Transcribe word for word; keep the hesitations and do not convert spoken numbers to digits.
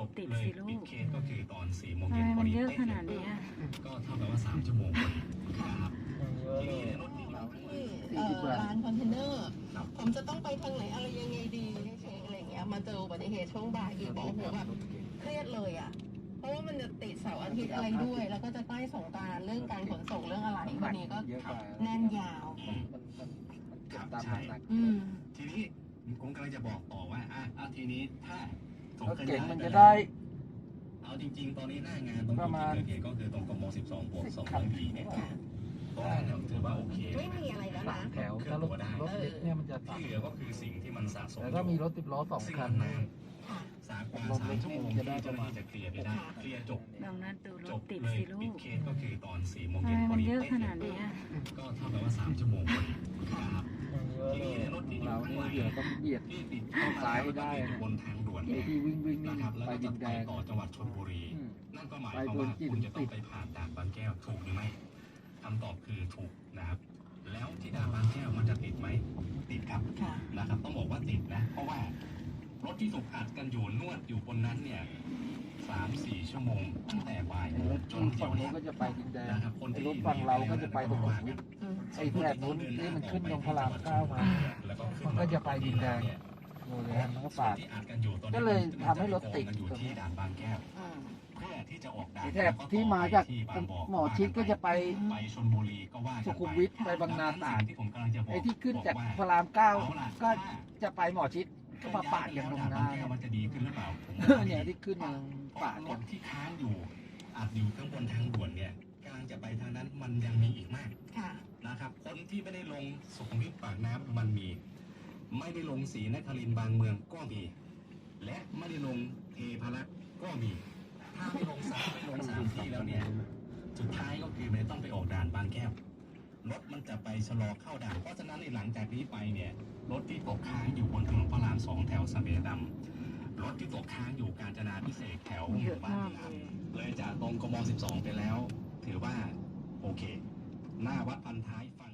ติดเลยสิลูปิดกเคสก็คือตอนสี่โมงทำเย็ไมนพมัอน ดีเยอะเป๊ะขเลนาดยนี้อะก็เท่ากับว่าสามชั่วโมงพอดีนะครับเยอะทีเลนี้ยในรถที่อยู่ที่เอ่อร้านคอนเทนเนอร์ ผมจะต้องไปทางไหนอะไรยังไงดีเช็คอะไรเงี้ยมาเจออุบัติเหตุช่วงบ่ายอีกบอกโอ้โหแบบเครียดเลยอ่ะ เพราะว่ามันจะติดเสาร์อาทิตย์อะไรด้วย แล้วก็จะใกล้สงกรานต์เรื่องการขนส่งเรื่องอะไรวันนี้ก็เยอะกว่าแน่นยาวมันมันมันมันเก็บตามน้ำหนักอืมทีนี้ผมกำลังจะบอกต่อว่าอ่ะอ่ะทีนี้ถ้าส่งรถขเก๋ยาง ยมันไปจะแล้วได้เอาจริง ๆ ตอนนี้หน้างานตรงประมาณจุดที่เกิดเหตุก็คือตรงกมสิบสองบวกสองร้อยปีเนี่ยตรงนั้นเนี่ยถือว่าโอเคไม่มีอะไรแล้วสานะมแถวถ้ารถรถเล็กเนี่ยมันจะที่ต่ำเหลือก็คือสิ่งที่มันสะสมแต่ก็มีรถติดล้อสองซึ่งคัมัน นนานค่ะสามกว่าสามชั่วโมงที่เจ้าหน้าที่จะเคลียร์ไปได้เคลียร์จบลองนัดดูรจถบติดเลยสิลูปิดกเคสก็คือตอนสี่โมงทำเย็ไมนพอมันดีเยอะเป๊ะขเลนาดยนี้อะก็เท่ากับว่าสามชั่วโมงพอดีนะครับเยอะเลยเราเนี่ยเดี๋ยวต้องเบียดที่ติดเข้าซ้ายได้อยู่บนทางด่วนไอ้ที่วิ่งวิ่งนี่นะครับแล้วไปก็ดิจะนไปแดงต่อจังหวัดชลบุรีอืมนั่นก็หมายความว่าคุณจะต้องไปผ่านด่านบางแก้วถูกหรือไม่คำตอบคือถูกนะครับ แล้วที่ด่านบางแก้วมันจะติดไหมติดครับค่ะนะครับต้องบอกว่าติดนะ เพราะว่ารถที่ถูกอัดกันอยู่นวดอยู่บนนั้นเนี่ยสามสี่ชั่วโมงตั้งแต่บ่ายโมรง ถจนเดี๋ฝั่ยงวนู้เนี้นยก็จะไปดินแดงนะครับคนไอ้ที่รถฝั่งเราก็จะไปตรงสุขุมวิทอืมไอ้แถบนู้นนี่มันขึ้นตรงพระรามเก้ามาแล้วก็ขึ้มันก็จะไปดินแดง โมเลนมันก็ปาดที่อัดกันอยู่ตอนนี้ก็เลยทำให้รถติดมันอยู่ที่ด่านบางแก้วอืมเพื่อที่จะออกด่านไอ้แถบที่มาจากที่บางบ่หมอชิดก็จะไปไปชลบุรีก็ว่ากันสุไปขุมวิทไปบางนาตราดที่ผมกำลังจะบอกไอ้ที่ขึ้นจากบอกพว่าระรามเก้าเอาล่ะก็จะไปหมอชิดก็มาปาดกันตรงหน้าด่บงแก้วมันจะดีขึ้นหรือเปล่าผมเนี่ยที่ขึ้นมาปาดรกัถนที่ค้างอยู่อัดอยู่ข้างบนทางด่วนเนี่ยกำลังจะไปทางนั้นมันยังมีอีกมากค่ะนะครับคนที่ไม่ได้ลงสุขุมวิทปากน้ำมันมี ไม่ได้ลงศรีนครินทร์บางเมืองก็มี และไม่ได้ลงเทพารักษ์ก็มี ถ้าไม่ลงสามไม่ลงสามที่แล้วเนี่ยสุดท้ายก็คือมันต้องไปออกด่านบางแก้วรถมันจะไปชะลอเข้าด่านเพราะฉะนั้นในหลังจากนี้ไปเนี่ยรถที่ตกค้างอยู่บนถนนพระรามสองแถวสะเบดำรถที่ตกค้างอยู่กาญจนาพิเศษกแถวหเยมู่อะบ้านมากพิเลรามยเลยจากตรงกมสิบสองไปแล้ว ถือว่าโอเค หน้าวัดพันท้ายไฟ